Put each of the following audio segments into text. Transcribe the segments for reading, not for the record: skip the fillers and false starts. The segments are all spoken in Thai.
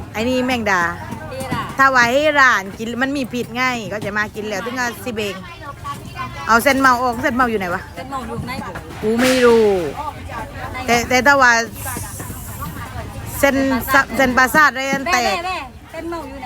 ไอ้นี่แมงดานี่ล่ะถ้าไว้ให้ร้านกินมันมีผิดง่ายก็จะมากินแล้วถึงเอาสิเบงเอาเส้นเมาออกเส้นเมาอยู่ไหนวะเป็นหมองอยู่ในผมกูไม่รู้แต่ถ้าว่าเส้นปลาซาดอะไรนั่นแตแม่กเป็นหมองอยู่ไหน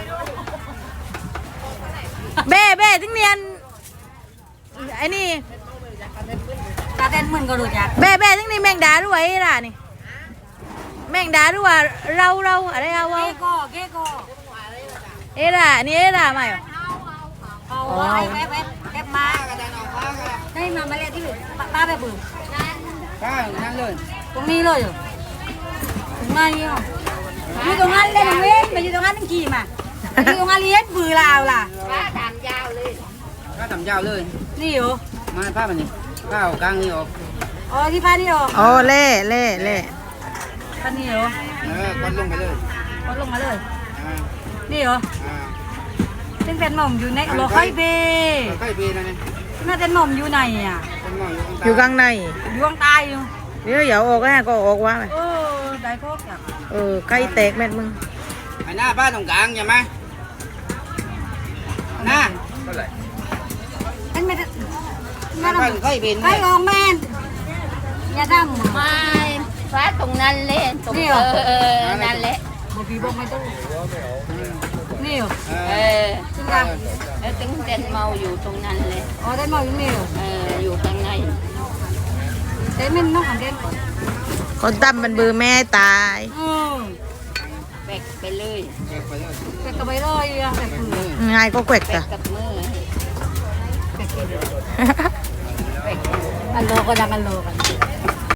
เบ้ถึงเนียนไอ้นี่ตาเต้นเหมือนก็รู้จักเบ้ถึงนี่แมงดาด้วยไอ้ร้านนี่แมงดาด้วยเราอะไรเอาเก้โก้เอ้ล่ะนี่เอ้ล่ะมาอยู่เอาไอ้แวบมาได้มาเล่นที่อื่นป้าไปบึ้งป้านั่นเลยตรงนี้เลยอยู่ตรงนั้นนี่มีตรงนั้นเล่นเว้นไปอยู่ตรงนั้นตั้งกี่มาอยู่ตรงนั้นเลี้ยงปืนลาวล่ะป้าทำยาวเลยนี่อยู่มาป้ามันนี่ป้าเอากลางนี่ออกอ๋อที่ผ้านี่อยู่โอ้เล่ผ้านี่อยู่กดลงไปเลยก็ลงมาเลยอ่านี่อยู่อ่าซึ่งเป็นหม่อมอยู่ในโลค่อยเบใกล้ปีนะเนี่ยน่าเป็นหม่อมอยู่ไหนอ่ะเป็นหม้ออยู่อยู่ข้างในอยู่ข้างใต้อยู่เดี๋ยวอย่าออกนะก็ออกว่าได้พวกอ่ะไก่แตกแม่มึงไอ้หน้าป้าตรงกลางอย่ามาหน้าเท่าไหร่อันไม่ได้ป้าใกล้ปีนไอ้ลองแม่นอย่าดำไม่ฟ้าตรงนั้นเล่นตรงนั่นแหละบอกพี่บอกไม่ต้องนี่อยู่เออจริงอ่ะแล้วตึงเต้นเมาอยู่ตรงนั้นเลยอ๋อได้หม่อมอยู่นี่อยู่อยู่ข้างในเต้นมันน้องของเต้นคนตั้มมันเบือแม่ตายแบกไปเลยแต่กระใบลอยอ่ะแต่คือง่ายก็แกวกแบจ้ะกกับมืออันโลก็ดังอันโลกัน